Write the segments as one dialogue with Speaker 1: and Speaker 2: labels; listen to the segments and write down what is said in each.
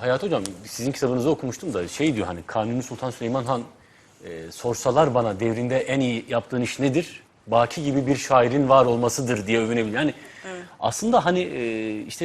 Speaker 1: Hayat Hocam, sizin kitabınızı okumuştum da şey diyor, hani Kanuni Sultan Süleyman Han sorsalar bana devrinde en iyi yaptığın iş nedir? Baki gibi bir şairin var olmasıdır diye övünebilir. Yani aslında hani işte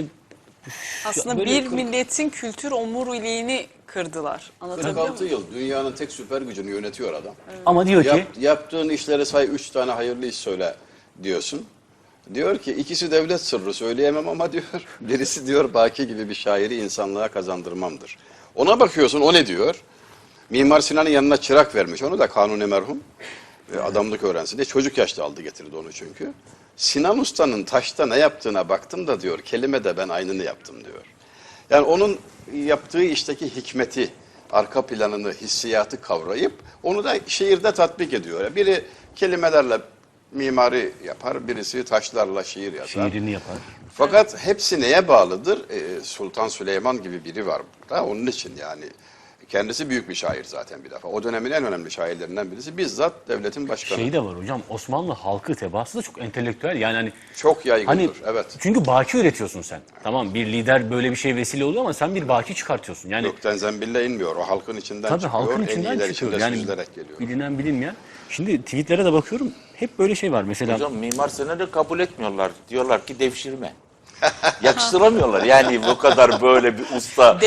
Speaker 2: Aslında
Speaker 1: böyle
Speaker 2: bir milletin kültür omuriliğini kırdılar. Anlatabiliyor
Speaker 3: 46
Speaker 2: muyum?
Speaker 3: yıl dünyanın tek süper gücünü yönetiyor adam.
Speaker 1: ama diyor ki
Speaker 3: Yaptığın işleri say, 3 tane hayırlı iş söyle diyorsun. Diyor ki ikisi devlet sırrı söyleyemem ama diyor birisi diyor Baki gibi bir şairi insanlığa kazandırmamdır. Ona bakıyorsun, o ne diyor? Mimar Sinan'ın yanına çırak vermiş. Onu da Kanuni merhum adamlık öğrencisi diye çocuk yaşta aldı getirdi onu çünkü. Sinan Usta'nın taşta ne yaptığına baktım da diyor kelime de ben aynını yaptım diyor. Yani onun yaptığı işteki hikmeti, arka planını, hissiyatı kavrayıp onu da şiirde tatbik ediyor. Biri kelimelerle mimari yapar, birisi taşlarla şiir yazar.
Speaker 1: şiirini yapar.
Speaker 3: Fakat hepsi neye bağlıdır? Sultan Süleyman gibi biri var burada. Onun için yani kendisi büyük bir şair zaten bir defa. O dönemin en önemli şairlerinden birisi. Bizzat devletin başkanı.
Speaker 1: Şey de var hocam, Osmanlı halkı tebaası da çok entelektüel. Yani hani
Speaker 3: Çok yaygındır.
Speaker 1: hani
Speaker 3: Evet.
Speaker 1: çünkü baki üretiyorsun sen. Tamam, bir lider böyle bir şey vesile oluyor ama sen bir baki çıkartıyorsun. Yani
Speaker 3: Gökten zembille inmiyor. O halkın içinden
Speaker 1: tabii
Speaker 3: çıkıyor.
Speaker 1: halkın
Speaker 3: En
Speaker 1: içinden
Speaker 3: iyiler
Speaker 1: çıkıyor.
Speaker 3: içinde
Speaker 1: Yani
Speaker 3: süzülerek geliyor.
Speaker 1: bilinen bilinmeyen. Şimdi tweetlere de bakıyorum. Hep böyle şey var. Mesela
Speaker 4: Hocam Mimar Sinan'ı kabul etmiyorlar. Diyorlar ki devşirme. Yakıştıramıyorlar. Yani bu kadar böyle bir usta.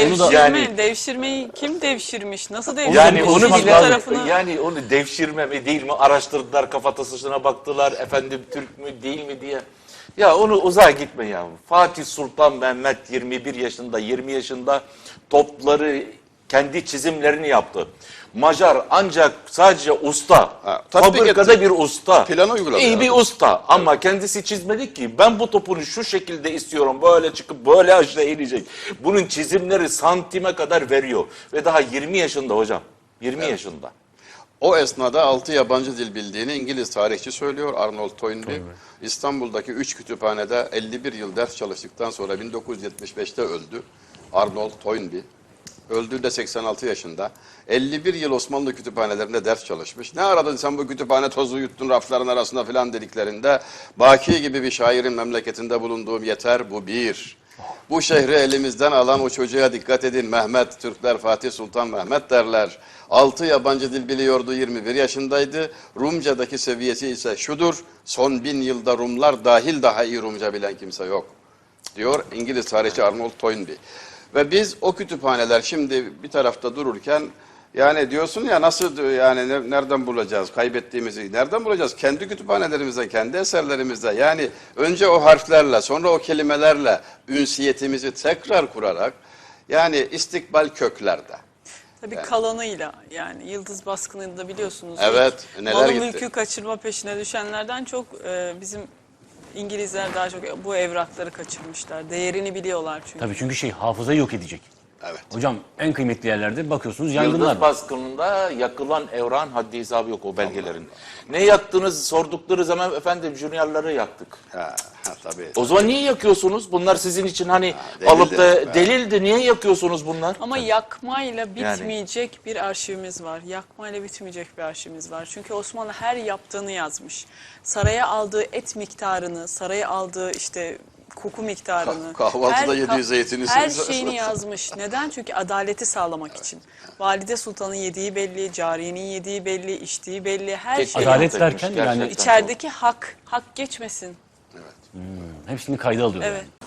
Speaker 2: Devşirmeyi kim devşirmiş? Nasıl devşirmiş?
Speaker 4: Yani onu
Speaker 2: Hiçbir
Speaker 4: bile
Speaker 2: tarafını...
Speaker 4: yani onu devşirme mi değil mi araştırdılar, kafatasına baktılar, efendim Türk mü değil mi diye. Ya onu uzağa gitme ya. Fatih Sultan Mehmet 21 yaşında, 20 yaşında topları, kendi çizimlerini yaptı. Macar ancak sadece usta,
Speaker 3: tatbik
Speaker 4: fabrikada
Speaker 3: etti.
Speaker 4: bir usta,
Speaker 3: Planı uyguladı
Speaker 4: iyi
Speaker 3: yani.
Speaker 4: bir usta ama kendisi çizmedi ki ben bu topunu şu şekilde istiyorum, böyle çıkıp böyle aşağı inecek. Bunun çizimleri santime kadar veriyor ve daha 20 yaşında hocam, 20 yaşında.
Speaker 3: O esnada 6 yabancı dil bildiğini İngiliz tarihçi söylüyor Arnold Toynbee. İstanbul'daki 3 kütüphanede 51 yıl ders çalıştıktan sonra 1975'te öldü Arnold Toynbee. Öldüğünde 86 yaşında. 51 yıl Osmanlı kütüphanelerinde ders çalışmış. Ne aradın sen bu kütüphane tozu yuttun rafların arasında filan dediklerinde Baki gibi bir şairin memleketinde bulunduğum yeter, bu bir. Bu şehri elimizden alan o çocuğa dikkat edin. Mehmet, Türkler Fatih Sultan Mehmet derler. 6 yabancı dil biliyordu, 21 yaşındaydı. Rumcadaki seviyesi ise şudur: son 1000 yılda Rumlar dahil daha iyi Rumca bilen kimse yok, diyor İngiliz tarihçi Arnold Toynbee. Ve biz o kütüphaneler şimdi bir tarafta dururken yani diyorsun ya nasıl yani nereden bulacağız kaybettiğimizi, nereden bulacağız? Kendi kütüphanelerimizde, kendi eserlerimizde, yani önce o harflerle sonra o kelimelerle ünsiyetimizi tekrar kurarak, yani istikbal köklerde.
Speaker 2: Tabii kalanıyla, yani Yıldız Baskını'nda biliyorsunuz.
Speaker 3: Evet, neler
Speaker 2: malı
Speaker 3: gitti.
Speaker 2: mülkü kaçırma peşine düşenlerden çok bizim İngilizler daha çok bu evrakları kaçırmışlar. Değerini biliyorlar çünkü.
Speaker 1: tabii, çünkü şey, hafızayı yok edecek.
Speaker 3: Evet.
Speaker 1: Hocam en kıymetli yerlerde bakıyorsunuz yangınlar
Speaker 4: Yıldız
Speaker 1: var.
Speaker 4: baskınında yakılan evran haddi hesabı yok o belgelerin. Ne yaktınız sordukları zaman efendim juniorları yaktık.
Speaker 3: Tabii.
Speaker 4: O zaman niye yakıyorsunuz? Bunlar sizin için hani
Speaker 3: delildi.
Speaker 4: alıp da delildi. Niye yakıyorsunuz bunlar?
Speaker 2: Ama yakmayla bitmeyecek bir arşivimiz var. Yakmayla bitmeyecek bir arşivimiz var. Çünkü Osmanlı her yaptığını yazmış. Saraya aldığı et miktarını, saraya aldığı işte koku miktarını.
Speaker 3: Kahvaltıda yediği zeytini
Speaker 2: her
Speaker 3: söylüyor.
Speaker 2: şeyini yazmış. Neden? Çünkü adaleti sağlamak için. Valide Sultan'ın yediği belli, cariyenin yediği belli, içtiği belli, her şey.
Speaker 1: Adalet
Speaker 4: Gerçekten
Speaker 1: derken yani
Speaker 4: çok.
Speaker 2: İçerideki hak geçmesin.
Speaker 1: Hepsini kayda alıyor.
Speaker 2: Evet.
Speaker 1: Yani.